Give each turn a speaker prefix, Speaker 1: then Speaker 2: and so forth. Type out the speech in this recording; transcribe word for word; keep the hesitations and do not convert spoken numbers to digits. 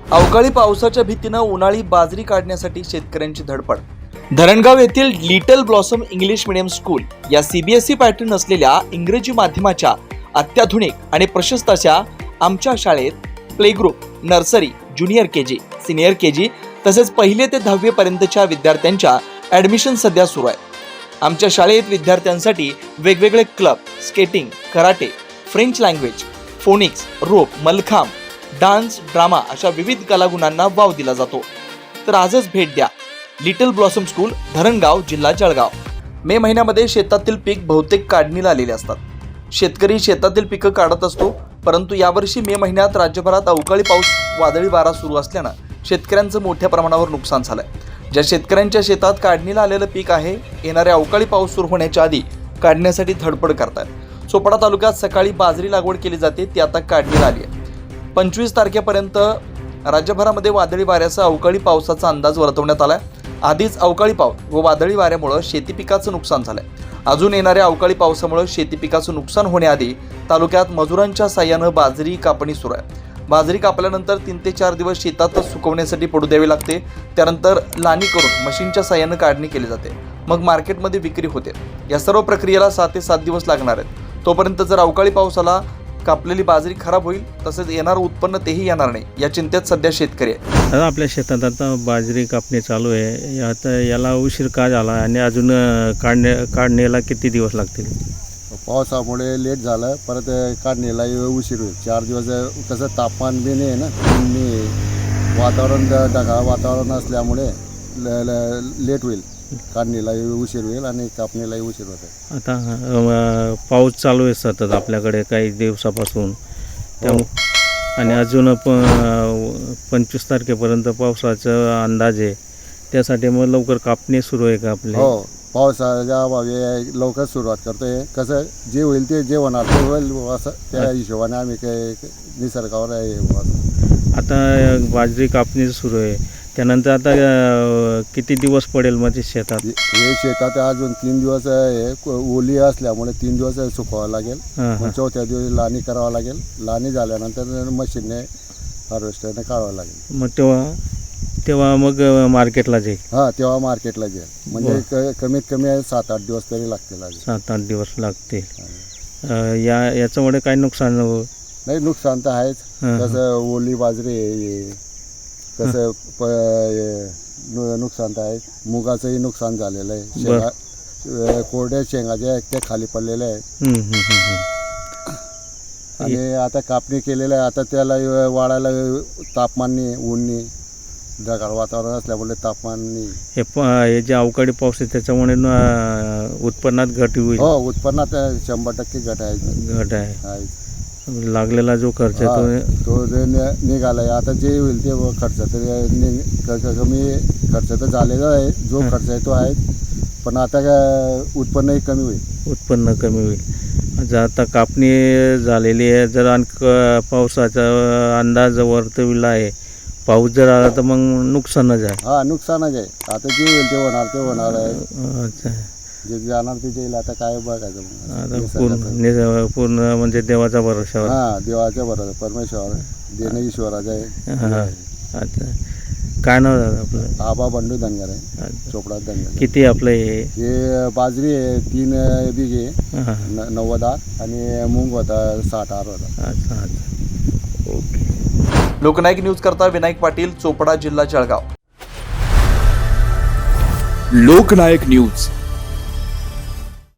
Speaker 1: अवकाळी पावसाच्या भीतीनं उन्हाळी बाजरी काढण्यासाठी शेतकऱ्यांची धडपड. धरणगाव येथील little blossom English medium school या सीबीएसई पॅटर्न असलेल्या इंग्रजी माध्यमाच्या अत्याधुनिक आणि प्रशस्त अशा आमच्या शाळेत play group, nursery, junior KG, senior KG तसेच पहिले ते दहावी पर्यंतच्या विद्यार्थ्यांच्या ॲडमिशन सध्या सुरू आहे. आमच्या शाळेत विद्यार्थ्यांसाठी वेगवेगळे club, skating, karate, French language, phonics, rope, mallakhamb, dance, drama अशा विविध कलागुणांना वाव दिला जातो. तर आजच भेट द्या लिटल ब्लॉसम स्कूल, धरणगाव, जिल्हा जळगाव. मे महिन्यामध्ये शेतातील पीक बहुतेक काढणीला आलेले असतात. शेतकरी शेतातील पिकं काढत असतो, परंतु यावर्षी मे महिन्यात राज्यभरात अवकाळी पाऊस, वादळी वारा सुरू असल्यानं शेतकऱ्यांचं मोठ्या प्रमाणावर नुकसान झालंय. ज्या शेतकऱ्यांच्या शेतात काढणीला आलेलं पीक आहे, येणाऱ्या अवकाळी पाऊस सुरू होण्याच्या आधी काढण्यासाठी धडपड करतात. चोपडा तालुक्यात सकाळी बाजरी लागवड केली जाते, ती आता काढणीला आली आहे. पंचवीस तारखेपर्यंत राज्यभरामध्ये वादळी वाऱ्यासह अवकाळी पावसाचा अंदाज वर्तवण्यात आलाय. आधीच अवकाळी पाऊस व वादळी वाऱ्यामुळे शेती पिकाचं नुकसान झालंय. अजून येणाऱ्या अवकाळी पावसामुळे शेती पिकाचं नुकसान होण्याआधी तालुक्यात मजुरांच्या साह्यानं बाजरी कापणी सुरू आहे. बाजरी कापल्यानंतर तीन ते चार दिवस शेतातच सुकवण्यासाठी पडू द्यावी लागते. त्यानंतर लाणी करून मशीनच्या साह्यानं काढणी केली जाते. मग मार्केटमध्ये विक्री होते. या सर्व प्रक्रियेला सात ते सात दिवस लागणार आहेत. तोपर्यंत जर अवकाळी पावसाला कापलेली बाजरी खराब होईल, तसेच येणारं उत्पन्न तेही येणार नाही, या चिंतेत सध्या शेतकरी आहे.
Speaker 2: आता आपल्या शेतात आता बाजरी कापणी चालू आहे. आता याला उशीर का झाला आणि अजून काढणे काढणीला किती दिवस लागतील?
Speaker 3: पावसामुळे लेट झालं, परत काढणीला उशीर होईल. चार दिवस कसं तापमान बी नाही आहे ना, मी वातावरण ढगाळ वातावरण असल्यामुळे लेट होईल. काढणीलाही उशीर होईल आणि कापणीलाही उशीर होते.
Speaker 2: आता अ, पाऊस चालू आहे सतत आपल्याकडे काही दिवसापासून, त्यामुळे आणि अजून प पंचवीस तारखेपर्यंत पावसाचा अंदाज आहे. त्यासाठी मग लवकर कापणी सुरू आहे का आपली?
Speaker 3: हो, पावसाच्या अभावी लवकर सुरुवात करतोय. कसं जे होईल ते जे होणार ते होईल असं त्या हिशोबाने आम्ही काही निसर्गावर आहे.
Speaker 2: आता बाजरी कापणी सुरू आहे, त्यानंतर आता किती दिवस पडेल मग ते शेतात?
Speaker 3: हे शेतात अजून तीन दिवस हे ओली असल्यामुळे तीन दिवस सुकवावं लागेल. चौथ्या दिवशी लाणी करावं लागेल. लाणी झाल्यानंतर मशीनने हार्वेस्टरने काढावं लागेल.
Speaker 2: मग तेव्हा तेव्हा मग मार्केटला जाईल?
Speaker 3: हां, तेव्हा मार्केटला जाईल. म्हणजे क कमीत कमी सात आठ दिवस तरी लागतील.
Speaker 2: सात आठ दिवस लागतील. या याच्यामुळे काही नुकसान हो
Speaker 3: नाही? नुकसान तर आहेच. कसं ओली बाजरी आहे, कसं प नुकसान तर आहे. मुगाचंही नुकसान झालेलं आहे. शेंगा कोरड्या शेंगा ज्या आहेत त्या खाली पडलेल्या आहेत. आणि आता कापणी केलेलं आहे. आता त्याला वाढायला तापमाननी, ऊननी, ढगाळ वातावरण असल्यामुळे तापमाननी
Speaker 2: हे प हे जे अवकाळी पाऊस आहे त्याच्यामुळे उत्पन्नात घट होईल?
Speaker 3: हो, उत्पन्नात शंभर टक्के घट आहे.
Speaker 2: घट आहे. लागलेला जो खर्च आहे
Speaker 3: तो तो निघाला आहे. आता जे होईल ते खर्च तर कमी खर्च तर झालेला आहे. जो खर्च आहे तो आहे, पण आता उत्पन्नही कमी होईल.
Speaker 2: उत्पन्न कमी होईल. जर आता कापणी झालेली आहे, जर आणखी पावसाचा अंदाज वर्तविला आहे, पाऊस जर आला तर मग नुकसानच आहे.
Speaker 3: हां, नुकसानच आहे. आता जे होईल ते होणार ते होणार आहे.
Speaker 2: अच्छा,
Speaker 3: जे जाणार ते येईल. आता काय बघायचं
Speaker 2: आता पूर्ण पूर्ण म्हणजे देवाचा भरोशावर.
Speaker 3: हां, देवाच्या भरोसा, परमेश्वर देणं ईश्वराचं आहे.
Speaker 2: हां, अच्छा. काय नाव झालं आपलं?
Speaker 3: आबा बंडू धनगर आहे, चोपडा धनगर.
Speaker 2: किती आपलं हे?
Speaker 3: हे बाजरी आहे तीन बिघे, नव्वद आर, आणि मूग होता साठ आर होता.
Speaker 2: अच्छा अच्छा, ओके.
Speaker 1: लोकनायक न्यूज करता विनायक पाटील, चोपडा, जिल्हा जळगाव.
Speaker 4: लोकनायक न्यूज